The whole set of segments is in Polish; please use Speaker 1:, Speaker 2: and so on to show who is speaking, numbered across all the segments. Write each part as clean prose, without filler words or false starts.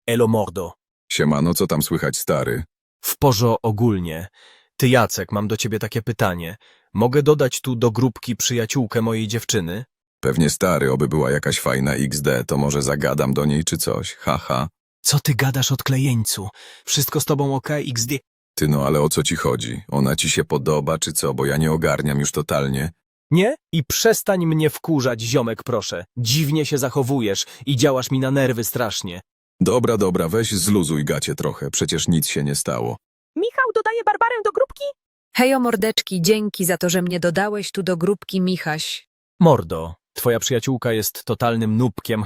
Speaker 1: Elo mordo.
Speaker 2: Siemano, co tam słychać, stary?
Speaker 1: W porzo ogólnie. Ty Jacek, mam do ciebie takie pytanie. Mogę dodać tu do grupki przyjaciółkę mojej dziewczyny?
Speaker 2: Pewnie stary, oby była jakaś fajna XD, to może zagadam do niej czy coś, haha.
Speaker 1: Co ty gadasz odklejeńcu? Wszystko z tobą okej, XD?
Speaker 2: Ty no, ale o co ci chodzi? Ona ci się podoba czy co, bo ja nie ogarniam już totalnie.
Speaker 1: Nie? I przestań mnie wkurzać, ziomek, proszę. Dziwnie się zachowujesz i działasz mi na nerwy strasznie.
Speaker 2: Dobra, weź zluzuj gacie trochę, przecież nic się nie stało.
Speaker 3: Michał dodaje Barbarę do grupki?
Speaker 4: Hejo mordeczki, dzięki za to, że mnie dodałeś tu do grupki Michaś.
Speaker 1: Mordo, twoja przyjaciółka jest totalnym nubkiem,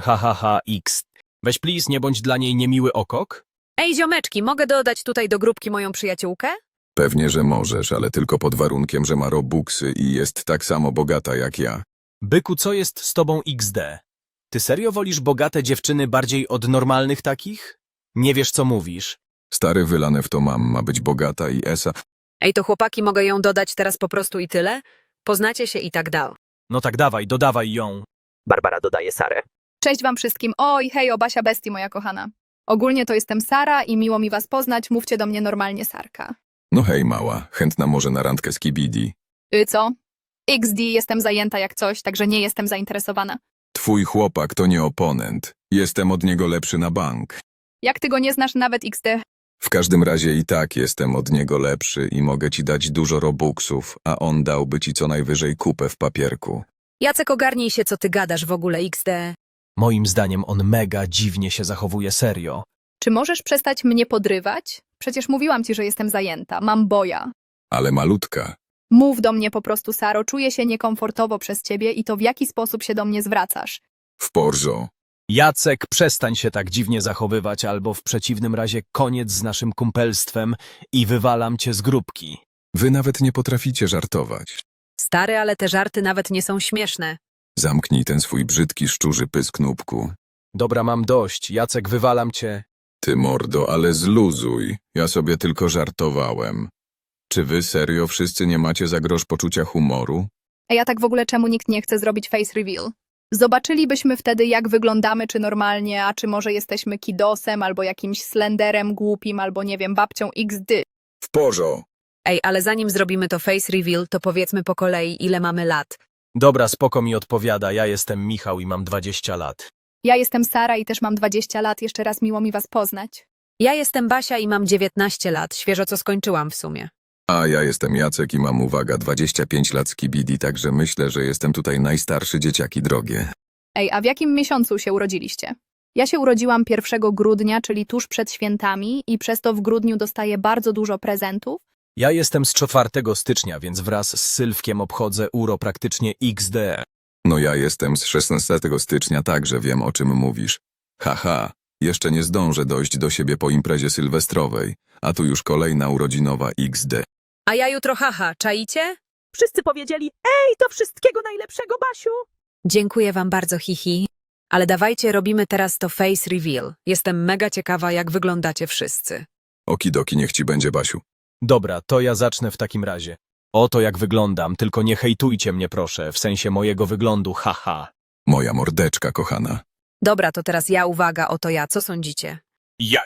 Speaker 1: x. Weź please, nie bądź dla niej niemiły okok?
Speaker 4: Ej ziomeczki, mogę dodać tutaj do grupki moją przyjaciółkę?
Speaker 2: Pewnie, że możesz, ale tylko pod warunkiem, że ma robuxy i jest tak samo bogata jak ja.
Speaker 1: Byku, co jest z tobą XD? Ty serio wolisz bogate dziewczyny bardziej od normalnych takich? Nie wiesz, co mówisz.
Speaker 2: Stary wylane w to ma być bogata i esa.
Speaker 4: Ej, to chłopaki, mogę ją dodać teraz po prostu i tyle? Poznacie się i tak dal.
Speaker 1: No tak dawaj, dodawaj ją.
Speaker 3: Barbara dodaje Sarę.
Speaker 5: Cześć wam wszystkim. Oj, hej, Basia Bestii, moja kochana. Ogólnie to jestem Sara i miło mi was poznać. Mówcie do mnie normalnie Sarka.
Speaker 2: No hej mała, chętna może na randkę z Kibidi.
Speaker 5: Co? XD, jestem zajęta jak coś, także nie jestem zainteresowana.
Speaker 2: Twój chłopak to nie oponent. Jestem od niego lepszy na bank.
Speaker 5: Jak ty go nie znasz nawet XD?
Speaker 2: W każdym razie i tak jestem od niego lepszy i mogę ci dać dużo robuxów, a on dałby ci co najwyżej kupę w papierku.
Speaker 4: Jacek, ogarnij się, co ty gadasz w ogóle, XD.
Speaker 1: Moim zdaniem on mega dziwnie się zachowuje, serio.
Speaker 5: Czy możesz przestać mnie podrywać? Przecież mówiłam ci, że jestem zajęta. Mam boja.
Speaker 2: Ale malutka.
Speaker 5: Mów do mnie po prostu, Saro. Czuję się niekomfortowo przez ciebie i to w jaki sposób się do mnie zwracasz.
Speaker 2: W porzo.
Speaker 1: Jacek, przestań się tak dziwnie zachowywać, albo w przeciwnym razie koniec z naszym kumpelstwem i wywalam cię z grupki.
Speaker 2: Wy nawet nie potraficie żartować.
Speaker 4: Stary, ale te żarty nawet nie są śmieszne.
Speaker 2: Zamknij ten swój brzydki szczurzy pysk, nubku.
Speaker 1: Dobra, mam dość. Jacek, wywalam cię.
Speaker 2: Ty mordo, ale zluzuj. Ja sobie tylko żartowałem. Czy wy serio wszyscy nie macie za grosz poczucia humoru?
Speaker 5: Ej, a tak w ogóle czemu nikt nie chce zrobić face reveal? Zobaczylibyśmy wtedy, jak wyglądamy, czy normalnie, a czy może jesteśmy kidosem, albo jakimś slenderem głupim, albo nie wiem, babcią XD.
Speaker 2: W porzo.
Speaker 4: Ej, ale zanim zrobimy to face reveal, to powiedzmy po kolei, ile mamy lat.
Speaker 1: Dobra, spoko mi odpowiada. Ja jestem Michał i mam 20 lat.
Speaker 5: Ja jestem Sara i też mam 20 lat. Jeszcze raz miło mi was poznać.
Speaker 4: Ja jestem Basia i mam 19 lat, świeżo co skończyłam w sumie.
Speaker 2: A ja jestem Jacek i mam, uwaga, 25 lat z Kibidi, także myślę, że jestem tutaj najstarszy, dzieciaki drogie.
Speaker 5: Ej, a w jakim miesiącu się urodziliście? Ja się urodziłam 1 grudnia, czyli tuż przed świętami i przez to w grudniu dostaję bardzo dużo prezentów.
Speaker 1: Ja jestem z 4 stycznia, więc wraz z Sylwkiem obchodzę uro praktycznie XD.
Speaker 2: No ja jestem z 16 stycznia, także wiem, o czym mówisz. Haha, jeszcze nie zdążę dojść do siebie po imprezie sylwestrowej, a tu już kolejna urodzinowa XD.
Speaker 4: A ja jutro haha, czaicie?
Speaker 3: Wszyscy powiedzieli, ej, to wszystkiego najlepszego, Basiu.
Speaker 4: Dziękuję wam bardzo, hihi. Ale dawajcie, robimy teraz to face reveal. Jestem mega ciekawa, jak wyglądacie wszyscy.
Speaker 2: Okidoki, niech ci będzie, Basiu.
Speaker 1: Dobra, to ja zacznę w takim razie. Oto jak wyglądam, tylko nie hejtujcie mnie proszę, w sensie mojego wyglądu, haha.
Speaker 2: Moja mordeczka kochana.
Speaker 4: Dobra, to teraz ja, uwaga, oto ja. Co sądzicie?
Speaker 1: Ja.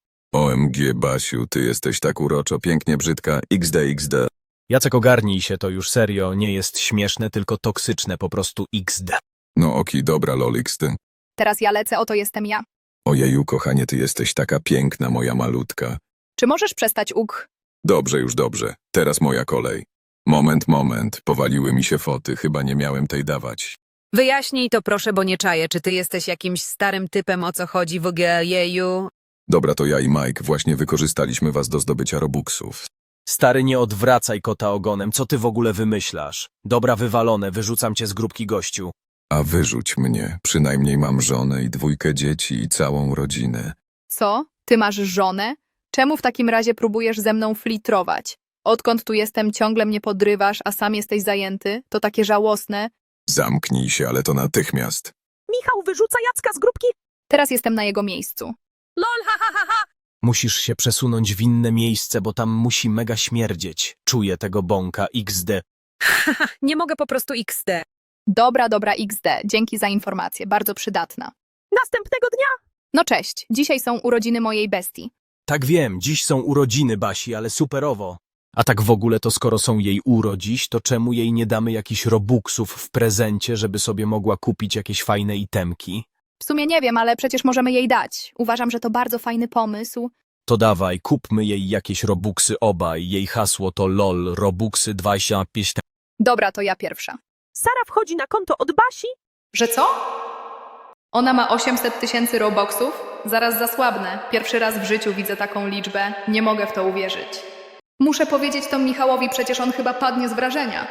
Speaker 2: OMG, Basiu, ty jesteś tak uroczo, pięknie brzydka, XD.
Speaker 1: Jacek, ogarnij się, to już serio, nie jest śmieszne, tylko toksyczne, po prostu XD.
Speaker 2: No oki, dobra, loliks, ty.
Speaker 5: Teraz ja lecę, oto jestem ja.
Speaker 2: Ojeju, kochanie, ty jesteś taka piękna, moja malutka.
Speaker 5: Czy możesz przestać
Speaker 2: Dobrze, już dobrze. Teraz moja kolej. Moment. Powaliły mi się foty, chyba nie miałem tej dawać.
Speaker 4: Wyjaśnij to proszę, bo nie czaję. Czy ty jesteś jakimś starym typem, o co chodzi w ogóle, jeju?
Speaker 2: Dobra, to ja i Mike właśnie wykorzystaliśmy was do zdobycia robuxów.
Speaker 1: Stary, nie odwracaj kota ogonem, co ty w ogóle wymyślasz? Dobra, wywalone, wyrzucam cię z grupki, gościu.
Speaker 2: A wyrzuć mnie, przynajmniej mam żonę i 2 dzieci i całą rodzinę.
Speaker 5: Co? Ty masz żonę? Czemu w takim razie próbujesz ze mną flitrować? Odkąd tu jestem, ciągle mnie podrywasz, a sam jesteś zajęty? To takie żałosne.
Speaker 2: Zamknij się, ale to natychmiast.
Speaker 3: Michał wyrzuca Jacka z grupki.
Speaker 5: Teraz jestem na jego miejscu.
Speaker 3: Lol, ha, ha, ha, ha.
Speaker 1: Musisz się przesunąć w inne miejsce, bo tam musi mega śmierdzieć. Czuję tego bąka, XD.
Speaker 4: Haha, nie mogę po prostu XD.
Speaker 5: Dobra, XD. Dzięki za informację, bardzo przydatna.
Speaker 3: Następnego dnia
Speaker 5: No cześć, dzisiaj są urodziny mojej bestii.
Speaker 1: Tak wiem, dziś są urodziny Basi, ale superowo. A tak w ogóle to skoro są jej urodziś, to czemu jej nie damy jakichś robuxów w prezencie, żeby sobie mogła kupić jakieś fajne itemki?
Speaker 5: W sumie nie wiem, ale przecież możemy jej dać. Uważam, że to bardzo fajny pomysł.
Speaker 1: To dawaj, kupmy jej jakieś robuxy obaj. Jej hasło to LOL, robuxy 25.
Speaker 5: Dobra, to ja pierwsza.
Speaker 3: Sara wchodzi na konto od Basi.
Speaker 5: Że co? Ona ma 800 000 robuxów? Zaraz zasłabnę. Pierwszy raz w życiu widzę taką liczbę. Nie mogę w to uwierzyć. Muszę powiedzieć to Michałowi, przecież on chyba padnie z wrażenia.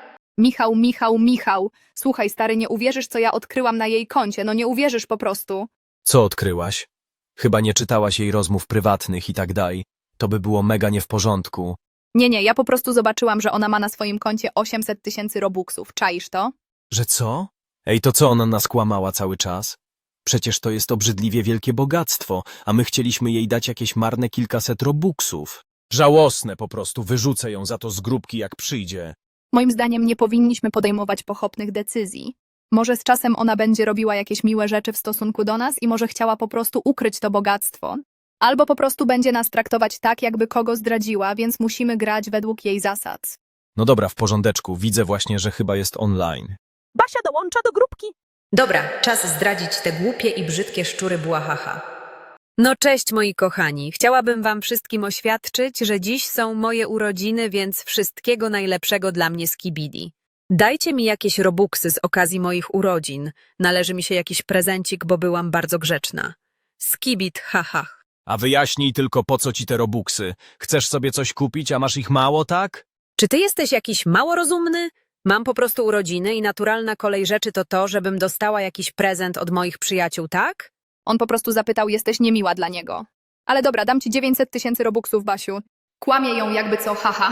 Speaker 5: Michał. Słuchaj, stary, nie uwierzysz, co ja odkryłam na jej koncie. No nie uwierzysz po prostu.
Speaker 1: Co odkryłaś? Chyba nie czytałaś jej rozmów prywatnych i tak dalej. To by było mega nie w porządku.
Speaker 5: Nie, ja po prostu zobaczyłam, że ona ma na swoim koncie 800 000 robuxów. Czaisz to?
Speaker 1: Że co? Ej, to co ona nas kłamała cały czas? Przecież to jest obrzydliwie wielkie bogactwo, a my chcieliśmy jej dać jakieś marne kilkaset robuxów. Żałosne po prostu, wyrzucę ją za to z grupki jak przyjdzie.
Speaker 5: Moim zdaniem nie powinniśmy podejmować pochopnych decyzji. Może z czasem ona będzie robiła jakieś miłe rzeczy w stosunku do nas i może chciała po prostu ukryć to bogactwo. Albo po prostu będzie nas traktować tak, jakby kogo zdradziła, więc musimy grać według jej zasad.
Speaker 1: No dobra, w porządeczku, widzę właśnie, że chyba jest online.
Speaker 3: Basia dołącza do grupki.
Speaker 4: Dobra, czas zdradzić te głupie i brzydkie szczury błahaha. No cześć moi kochani, chciałabym wam wszystkim oświadczyć, że dziś są moje urodziny, więc wszystkiego najlepszego dla mnie z Kibidi. Dajcie mi jakieś robuxy z okazji moich urodzin. Należy mi się jakiś prezencik, bo byłam bardzo grzeczna. Skibid, haha.
Speaker 1: A wyjaśnij tylko, po co ci te robuxy. Chcesz sobie coś kupić, a masz ich mało, tak?
Speaker 4: Czy ty jesteś jakiś mało rozumny? Mam po prostu urodziny i naturalna kolej rzeczy to to, żebym dostała jakiś prezent od moich przyjaciół, tak?
Speaker 5: On po prostu zapytał, jesteś niemiła dla niego. Ale dobra, dam ci 900 000 robuxów, Basiu. Kłamie ją jakby co, haha.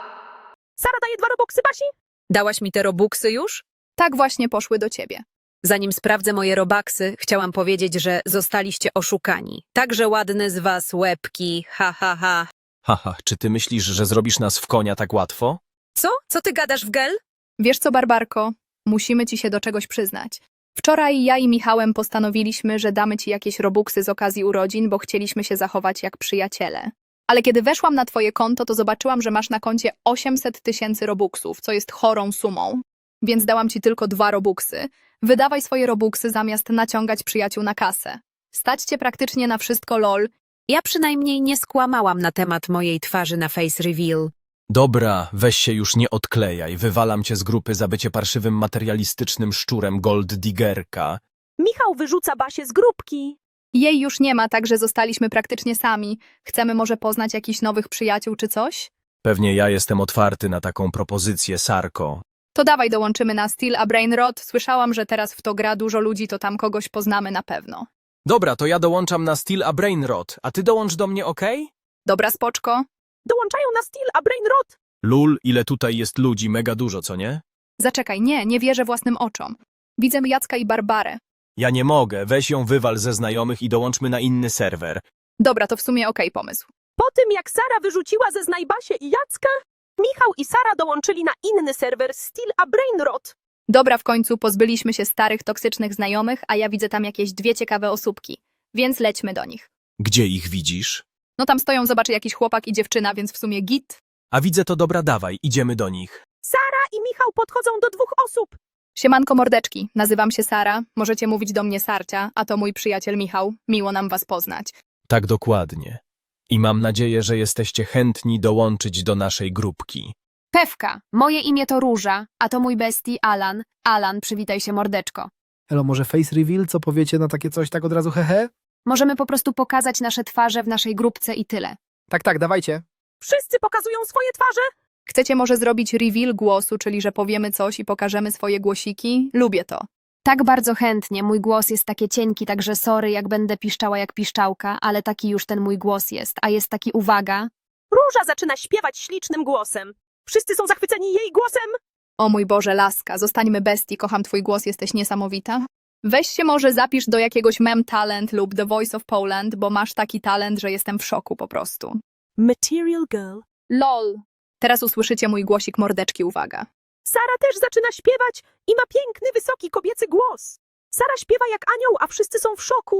Speaker 3: Sara daje 2 robuxy Basi.
Speaker 4: Dałaś mi te robuxy już?
Speaker 5: Tak właśnie poszły do ciebie.
Speaker 4: Zanim sprawdzę moje robaksy, chciałam powiedzieć, że zostaliście oszukani. Także ładne z was łebki, ha, ha, ha.
Speaker 1: Haha, czy ty myślisz, że zrobisz nas w konia tak łatwo?
Speaker 4: Co? Co ty gadasz w gel?
Speaker 5: Wiesz co, Barbarko? Musimy ci się do czegoś przyznać. Wczoraj ja i Michałem postanowiliśmy, że damy ci jakieś robuxy z okazji urodzin, bo chcieliśmy się zachować jak przyjaciele. Ale kiedy weszłam na twoje konto, to zobaczyłam, że masz na koncie 800 000 robuxów, co jest chorą sumą. Więc dałam ci tylko 2 robuxy. Wydawaj swoje robuxy zamiast naciągać przyjaciół na kasę. Stać cię praktycznie na wszystko, lol.
Speaker 4: Ja przynajmniej nie skłamałam na temat mojej twarzy na face reveal.
Speaker 1: Dobra, weź się już nie odklejaj, wywalam cię z grupy za bycie parszywym materialistycznym szczurem gold diggerka.
Speaker 3: Michał wyrzuca Basię z grupki.
Speaker 5: Jej już nie ma, także zostaliśmy praktycznie sami. Chcemy może poznać jakichś nowych przyjaciół czy coś?
Speaker 1: Pewnie ja jestem otwarty na taką propozycję, Sarko.
Speaker 5: To dawaj dołączymy na Steel a Brainrot. Słyszałam, że teraz w to gra dużo ludzi, to tam kogoś poznamy na pewno.
Speaker 1: Dobra, to ja dołączam na Steel a Brainrot, a ty dołącz do mnie, okej?
Speaker 5: Dobra, spoczko.
Speaker 3: Dołączają na Steel a Brainrot.
Speaker 1: Lul, ile tutaj jest ludzi, mega dużo, co nie?
Speaker 5: Zaczekaj, nie wierzę własnym oczom. Widzę Jacka i Barbarę.
Speaker 1: Ja nie mogę, weź ją wywal ze znajomych i dołączmy na inny serwer.
Speaker 5: Dobra, to w sumie okej pomysł.
Speaker 3: Po tym jak Sara wyrzuciła ze znaj Basię i Jacka, Michał i Sara dołączyli na inny serwer Steel a Brainrot.
Speaker 5: Dobra, w końcu pozbyliśmy się starych, toksycznych znajomych, a ja widzę tam jakieś 2 ciekawe osóbki. Więc lećmy do nich.
Speaker 1: Gdzie ich widzisz?
Speaker 5: No tam stoją, zobaczy jakiś chłopak i dziewczyna, więc w sumie git.
Speaker 1: A widzę to, dobra, dawaj, idziemy do nich.
Speaker 3: Sara i Michał podchodzą do 2 osób.
Speaker 5: Siemanko mordeczki, nazywam się Sara, możecie mówić do mnie Sarcia, a to mój przyjaciel Michał. Miło nam was poznać.
Speaker 1: Tak dokładnie. I mam nadzieję, że jesteście chętni dołączyć do naszej grupki.
Speaker 6: Pewka, moje imię to Róża, a to mój bestii Alan. Alan, przywitaj się mordeczko.
Speaker 7: Elo, może face reveal? Co powiecie na takie coś tak od razu, hehe?
Speaker 6: Możemy po prostu pokazać nasze twarze w naszej grupce i tyle.
Speaker 7: Tak, dawajcie.
Speaker 3: Wszyscy pokazują swoje twarze.
Speaker 5: Chcecie może zrobić reveal głosu, czyli że powiemy coś i pokażemy swoje głosiki? Lubię to.
Speaker 6: Tak bardzo chętnie, mój głos jest takie cienki, także sorry, jak będę piszczała jak piszczałka, ale taki już ten mój głos jest, a jest taki uwaga.
Speaker 3: Róża zaczyna śpiewać ślicznym głosem. Wszyscy są zachwyceni jej głosem.
Speaker 5: O mój Boże, laska, zostańmy bestii, kocham twój głos, jesteś niesamowita. Weź się może zapisz do jakiegoś Mem Talent lub The Voice of Poland, bo masz taki talent, że jestem w szoku po prostu.
Speaker 3: Material Girl.
Speaker 5: LOL. Teraz usłyszycie mój głosik mordeczki, uwaga.
Speaker 3: Sara też zaczyna śpiewać i ma piękny, wysoki kobiecy głos. Sara śpiewa jak anioł, a wszyscy są w szoku.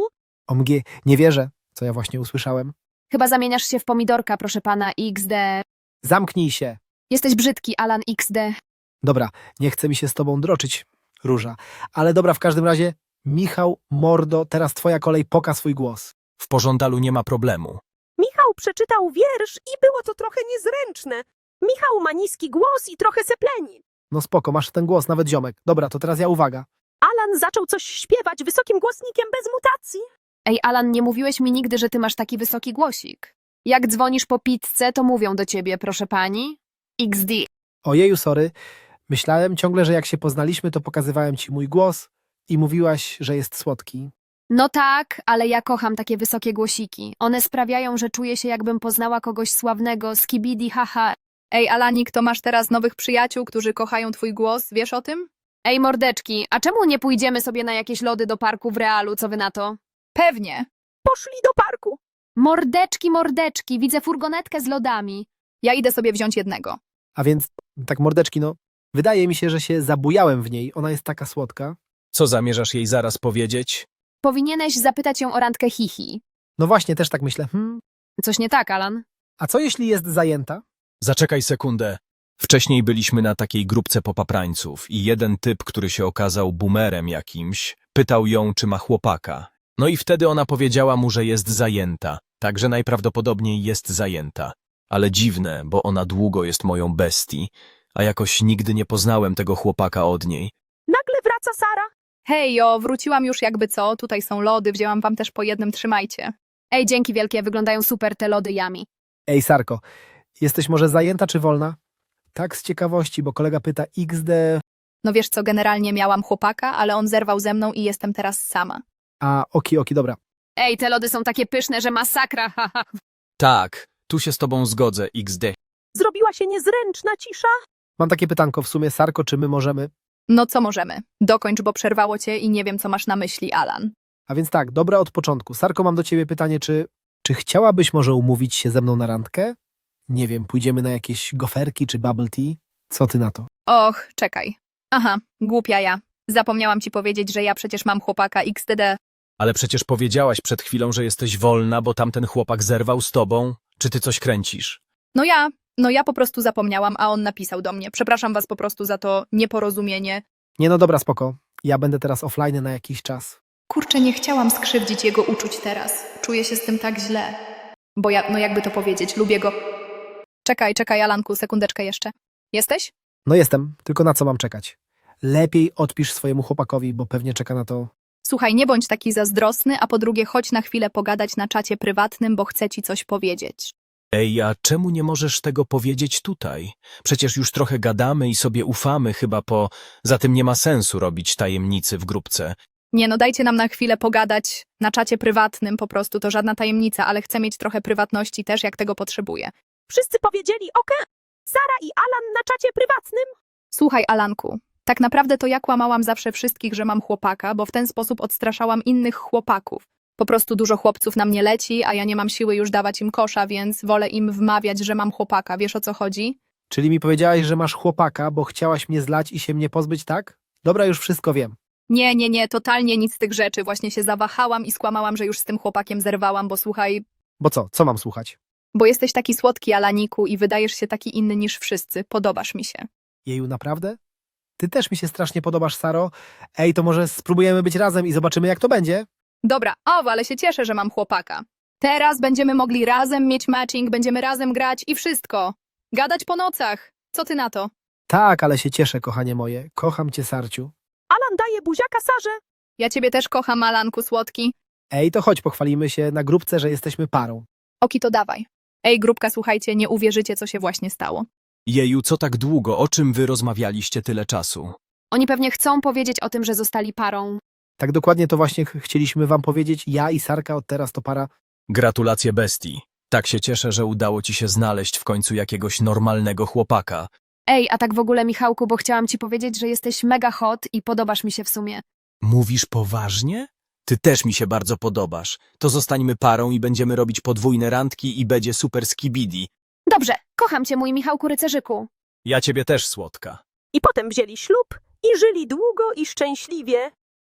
Speaker 7: OMG, nie wierzę, co ja właśnie usłyszałem.
Speaker 6: Chyba zamieniasz się w pomidorka, proszę pana, XD.
Speaker 7: Zamknij się.
Speaker 6: Jesteś brzydki, Alan XD.
Speaker 7: Dobra, nie chce mi się z tobą droczyć, Róża. Ale dobra, w każdym razie, Michał, mordo, teraz twoja kolej, poka swój głos.
Speaker 1: W pożądalu nie ma problemu.
Speaker 3: Michał przeczytał wiersz i było to trochę niezręczne. Michał ma niski głos i trochę sepleni.
Speaker 7: No spoko, masz ten głos, nawet ziomek. Dobra, to teraz ja uwaga.
Speaker 3: Alan zaczął coś śpiewać wysokim głosnikiem bez mutacji.
Speaker 6: Ej, Alan, nie mówiłeś mi nigdy, że ty masz taki wysoki głosik. Jak dzwonisz po pizzę, to mówią do ciebie, proszę pani. XD.
Speaker 7: Ojeju, sorry. Myślałem ciągle, że jak się poznaliśmy, to pokazywałem ci mój głos i mówiłaś, że jest słodki.
Speaker 6: No tak, ale ja kocham takie wysokie głosiki. One sprawiają, że czuję się, jakbym poznała kogoś sławnego, skibidi, haha.
Speaker 5: Ej, Alanik, to masz teraz nowych przyjaciół, którzy kochają twój głos, wiesz o tym?
Speaker 6: Ej, mordeczki, a czemu nie pójdziemy sobie na jakieś lody do parku w realu, co wy na to?
Speaker 5: Pewnie.
Speaker 3: Poszli do parku.
Speaker 6: Mordeczki, mordeczki, widzę furgonetkę z lodami.
Speaker 5: Ja idę sobie wziąć jednego.
Speaker 7: A więc, tak mordeczki, no, wydaje mi się, że się zabujałem w niej. Ona jest taka słodka.
Speaker 1: Co zamierzasz jej zaraz powiedzieć?
Speaker 6: Powinieneś zapytać ją o randkę hihi.
Speaker 7: No właśnie, też tak myślę.
Speaker 6: Coś nie tak, Alan?
Speaker 7: A co jeśli jest zajęta?
Speaker 1: Zaczekaj sekundę. Wcześniej byliśmy na takiej grupce popaprańców i jeden typ, który się okazał boomerem jakimś, pytał ją, czy ma chłopaka. No i wtedy ona powiedziała mu, że jest zajęta, także najprawdopodobniej jest zajęta. Ale dziwne, bo ona długo jest moją bestii, a jakoś nigdy nie poznałem tego chłopaka od niej.
Speaker 3: Nagle wraca Sara.
Speaker 5: Hej, wróciłam już jakby co, tutaj są lody, wzięłam wam też po jednym, trzymajcie.
Speaker 6: Ej, dzięki wielkie, wyglądają super te lody Yummy.
Speaker 7: Ej, Sarko, jesteś może zajęta czy wolna? Tak z ciekawości, bo kolega pyta XD,
Speaker 5: No wiesz co, generalnie miałam chłopaka, ale on zerwał ze mną i jestem teraz sama.
Speaker 7: a oki, dobra.
Speaker 6: Ej, te lody są takie pyszne, że masakra, haha.
Speaker 1: Tak, tu się z tobą zgodzę, XD.
Speaker 3: Zrobiła się niezręczna cisza.
Speaker 7: Mam takie pytanko w sumie, Sarko, czy my możemy?
Speaker 5: No co możemy? Dokończ, bo przerwało cię i nie wiem, co masz na myśli, Alan.
Speaker 7: A więc tak, dobra od początku. Sarko, mam do ciebie pytanie, czy chciałabyś może umówić się ze mną na randkę? Nie wiem, pójdziemy na jakieś goferki czy bubble tea? Co ty na to?
Speaker 5: Och, czekaj. Aha, głupia ja. Zapomniałam ci powiedzieć, że ja przecież mam chłopaka XDD.
Speaker 1: Ale przecież powiedziałaś przed chwilą, że jesteś wolna, bo tamten chłopak zerwał z tobą. Czy ty coś kręcisz?
Speaker 5: No ja po prostu zapomniałam, a on napisał do mnie. Przepraszam was po prostu za to nieporozumienie.
Speaker 7: Nie no dobra, spoko. Ja będę teraz offline na jakiś czas.
Speaker 5: Kurczę, nie chciałam skrzywdzić jego uczuć teraz. Czuję się z tym tak źle. Bo ja, no jakby to powiedzieć, lubię go. Czekaj, Alanku, sekundeczkę jeszcze. Jesteś?
Speaker 7: No jestem, tylko na co mam czekać? Lepiej odpisz swojemu chłopakowi, bo pewnie czeka na to.
Speaker 5: Słuchaj, nie bądź taki zazdrosny, a po drugie chodź na chwilę pogadać na czacie prywatnym, bo chcę ci coś powiedzieć.
Speaker 1: Ej, a czemu nie możesz tego powiedzieć tutaj? Przecież już trochę gadamy i sobie ufamy chyba Za tym nie ma sensu robić tajemnicy w grupce.
Speaker 5: Nie no, dajcie nam na chwilę pogadać na czacie prywatnym, po prostu to żadna tajemnica, ale chcę mieć trochę prywatności też, jak tego potrzebuję.
Speaker 3: Wszyscy powiedzieli okej. Sara i Alan na czacie prywatnym.
Speaker 5: Słuchaj, Alanku, tak naprawdę to ja kłamałam zawsze wszystkich, że mam chłopaka, bo w ten sposób odstraszałam innych chłopaków. Po prostu dużo chłopców na mnie leci, a ja nie mam siły już dawać im kosza, więc wolę im wmawiać, że mam chłopaka. Wiesz, o co chodzi?
Speaker 7: Czyli mi powiedziałaś, że masz chłopaka, bo chciałaś mnie zlać i się mnie pozbyć, tak? Dobra, już wszystko wiem.
Speaker 5: Nie, totalnie nic z tych rzeczy. Właśnie się zawahałam i skłamałam, że już z tym chłopakiem zerwałam, bo słuchaj,
Speaker 7: Bo co? Co mam słuchać?
Speaker 5: bo jesteś taki słodki, Alaniku, i wydajesz się taki inny niż wszyscy. Podobasz mi się.
Speaker 7: Jeju, naprawdę? Ty też mi się strasznie podobasz, Saro. Ej, to może spróbujemy być razem i zobaczymy, jak to będzie?
Speaker 5: Dobra, ale się cieszę, że mam chłopaka. Teraz będziemy mogli razem mieć matching, będziemy razem grać i wszystko. Gadać po nocach. Co ty na to?
Speaker 7: Tak, ale się cieszę, kochanie moje. Kocham cię, Sarciu.
Speaker 3: Alan daje buziaka Sarze.
Speaker 5: Ja ciebie też kocham, Alanku słodki.
Speaker 7: Ej, to chodź, pochwalimy się na grupce, że jesteśmy parą.
Speaker 5: Oki, to dawaj. Ej, grupka, słuchajcie, nie uwierzycie, co się właśnie stało.
Speaker 1: Jeju, co tak długo? O czym wy rozmawialiście tyle czasu?
Speaker 6: Oni pewnie chcą powiedzieć o tym, że zostali parą.
Speaker 7: Tak dokładnie to właśnie chcieliśmy wam powiedzieć. Ja i Sarka od teraz to para.
Speaker 1: Gratulacje bestii. Tak się cieszę, że udało ci się znaleźć w końcu jakiegoś normalnego chłopaka.
Speaker 6: Ej, a tak w ogóle, Michałku, bo chciałam ci powiedzieć, że jesteś mega hot i podobasz mi się w sumie.
Speaker 1: Mówisz poważnie? Ty też mi się bardzo podobasz. To zostańmy parą i będziemy robić podwójne randki i będzie super skibidi.
Speaker 6: Dobrze, kocham cię, mój Michałku rycerzyku.
Speaker 1: Ja ciebie też, słodka.
Speaker 3: I potem wzięli ślub i żyli długo i szczęśliwie.